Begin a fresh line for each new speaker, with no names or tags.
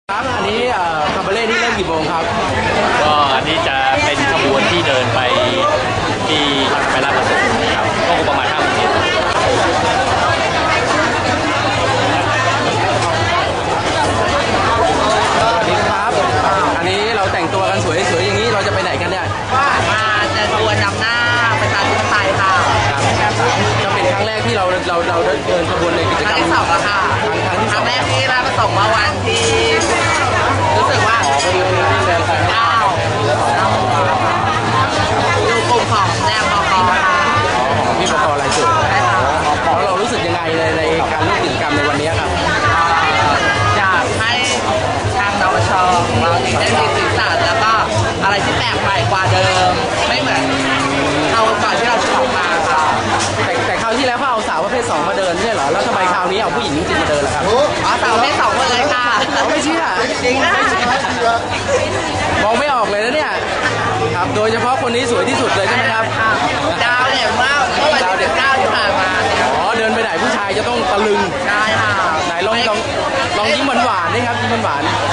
ครับอันนี้คาบาเล่นี่เริ่มกี่โมงครับ
ก็อันนี้จะเป็นขบวนที่เดินไปที่ไปลาดประสงค์ครับก็ประมาณ5 โมงเย็น
สวัสดีครับอันนี้เราแต่งตัวกันสวยๆอย่างนี้เราจะไปไหนกันเนี่ย
มาเดินขบวนนำหน้าประชาธิปไตยค่ะ
จะเป็นครั้งแรกที่เราเดินขบวนในกิจกรรม
ที่2แล้วค่ะครั้งแรกที่ราชประสงค์เมื่อวันที่รู้สึกว่า9อยู่กลุ่มของแนวบกค่ะ
พี่บกรายจุดแล้วเรารู้สึกยังไงในการร่วมกิจกรรมในวันนี้ครับ
อยากให้ทางนวชของเราได้มีสีสันแล้วก็อะไรที่แปลกใหม่กว่าเดิมไม่เหมือนเราก่อนที่เราจะออกมาค่ะ
แต่คราวที่แล้วเขาเอาสาวประเภท2มาเดินใช่เหรอแล้วทำไมคราวนี้เอาผู้หญิงจริงมาเดินล่ะครับ
สาวประเภท2มาเลยค่ะ
ไม่เชื่อ
จริงนะ
มองไม่ออกเลยนะเนี่ยครับโดยเฉพาะคนนี้สวยที่สุดเลยใช่ไหมครับ
ดาวเนี่ยเมื่อวันที่19ที่ผ่านมา
เดินไปไหนผู้ชายจะต้องตะลึง
ใช่ค่ะ
ไหนลองยิ้มหวานๆนี่ครับยิ้มหวาน